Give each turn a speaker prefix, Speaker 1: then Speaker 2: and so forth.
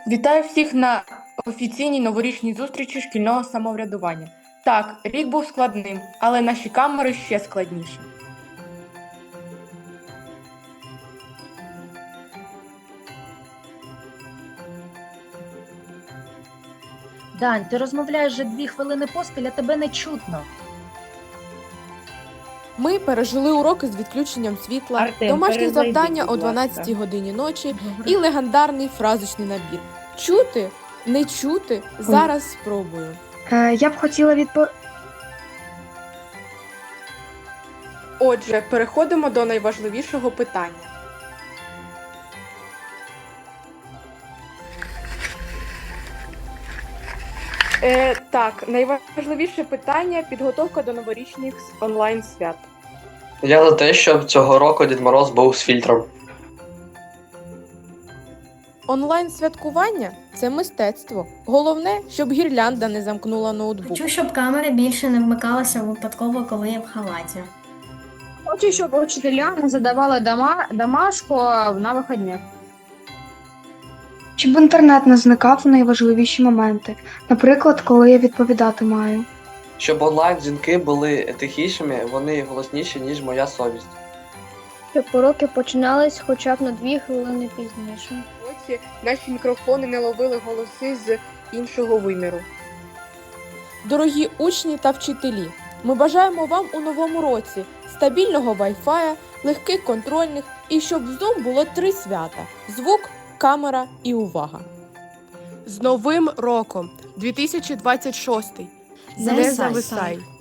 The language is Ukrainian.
Speaker 1: Вітаю всіх на офіційній новорічній зустрічі шкільного самоврядування. Так, рік був складним, але наші камери ще складніші.
Speaker 2: Дань, ти розмовляєш вже 2 хвилини поспіль, а тебе не чутно.
Speaker 3: Ми пережили уроки з відключенням світла,
Speaker 2: Артем,
Speaker 3: домашні
Speaker 2: перезайди,
Speaker 3: завдання
Speaker 2: будь
Speaker 3: о
Speaker 2: ласка.
Speaker 3: 12 годині ночі
Speaker 2: Добре.
Speaker 3: і легендарний фразочний набір. Чути? Не чути? Зараз спробую.
Speaker 4: Я б хотіла
Speaker 1: Отже, переходимо до найважливішого питання. Так, найважливіше питання – підготовка до новорічних онлайн-свят.
Speaker 5: Я за те, щоб цього року Дід Мороз був з фільтром.
Speaker 3: Онлайн-святкування – це мистецтво. Головне, щоб гірлянда не замкнула ноутбук.
Speaker 6: Хочу, щоб камери більше не вмикалися випадково, коли я в халаті.
Speaker 7: Хочу, щоб учителя не задавали домашку на вихідних.
Speaker 4: щоб інтернет не зникав у найважливіші моменти, наприклад, коли я відповідати маю.
Speaker 5: Щоб онлайн-дзвінки були тихішими, вони голосніші, ніж моя совість.
Speaker 8: Щоб уроки починались хоча б на 2 хвилини пізніше.
Speaker 1: Ось наші мікрофони не ловили голоси з іншого виміру.
Speaker 3: Дорогі учні та вчителі, ми бажаємо вам у новому році стабільного Wi-Fi, легких контрольних і щоб в Zoom було 3 свята – звук, камера і увага.
Speaker 9: З Новим роком 2026! Не зависай!